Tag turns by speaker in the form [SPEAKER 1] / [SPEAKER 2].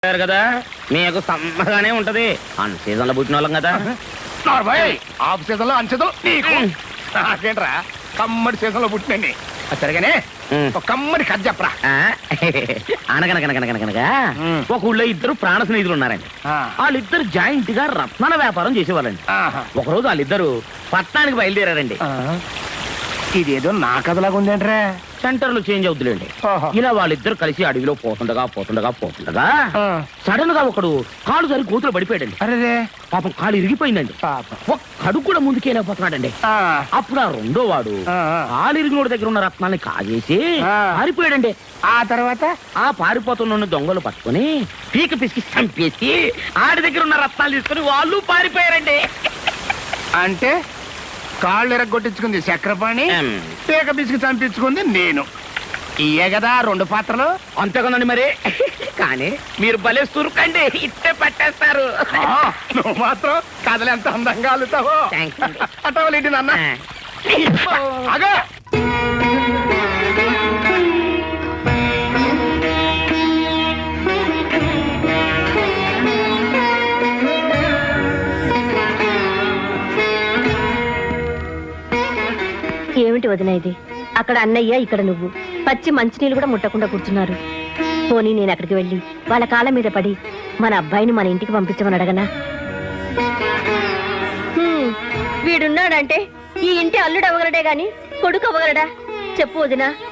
[SPEAKER 1] కదా మీకు సమ్మగానే ఉంటది అన్ సీజన్ లో పుట్టిన వాళ్ళం కదా.
[SPEAKER 2] ఆఫ్ సీజన్ లో అన్ సీజన్ నీకు నాకేంట్రా కమ్మడి సీజన్ లో పుట్టినండి. సరిగానే ఒక కమ్మడి కథ చెప్పరా.
[SPEAKER 1] అనగనగనగనగనగా ఒక ఊళ్ళో ఇద్దరు ప్రాణ స్నేహితులు ఉన్నారండి. వాళ్ళిద్దరు జాయింట్ గా రత్నాల వ్యాపారం చేసేవాళ్ళండి. ఒకరోజు వాళ్ళిద్దరు పట్టణానికి బయలుదేరారండి.
[SPEAKER 2] ఇదేదో నా కథలాగా ఉందేంట్రా.
[SPEAKER 1] సెంటర్ లో చేంజ్ అవుతులేండి. ఇలా వాళ్ళిద్దరు కలిసి అడవిలో పోతుండగా సడన్ గా ఒకడు కాలు సరి కూతురు పడిపోయాడండి.
[SPEAKER 2] అరే
[SPEAKER 1] పాపం కాలు ఇరిగిపోయిందండి. ఒక్కడు కూడా ముందుకెళ్ళిపోతున్నాడండి. అప్పుడు ఆ రెండో వాడు కాలు ఇరిగినోడి దగ్గర ఉన్న రత్నాన్ని కాజేసి పారిపోయాడండి.
[SPEAKER 2] ఆ తర్వాత
[SPEAKER 1] ఆ పారిపోతున్న దొంగలు పట్టుకుని పీక పిసికి చంపేసి ఆడి దగ్గర ఉన్న రత్నాలు తీసుకుని వాళ్ళు పారిపోయారండి.
[SPEAKER 2] అంటే కాళ్ళు ఎరగొట్టించుకుంది చక్రపాణి, పీక పిసికి చంపించుకుంది నేను. ఇయే కదా రెండు పాత్రలు.
[SPEAKER 1] అంతేకదండి మరి. కానీ మీరు భలే సురుకండి, ఇట్టే పట్టేస్తారు.
[SPEAKER 2] నువ్వు మాత్రం కథలు ఎంత అందంగా అల్లుతావో. అటవలేంటి నాన్న. అగా
[SPEAKER 3] ఏమిటి వదిన ఇది? అక్కడ అన్నయ్య, ఇక్కడ నువ్వు పచ్చి మంచినీళ్ళు కూడా ముట్టకుండా కూర్చున్నారు. పోనీ నేను అక్కడికి వెళ్ళి వాళ్ళ కాళ్ళ మీద పడి మన అబ్బాయిని మన ఇంటికి పంపించమని అడగనా? వీడున్నాడంటే ఈ ఇంటి అల్లుడు అవ్వగలడే గాని కొడుకు అవ్వగలడా? చెప్పు వదినా.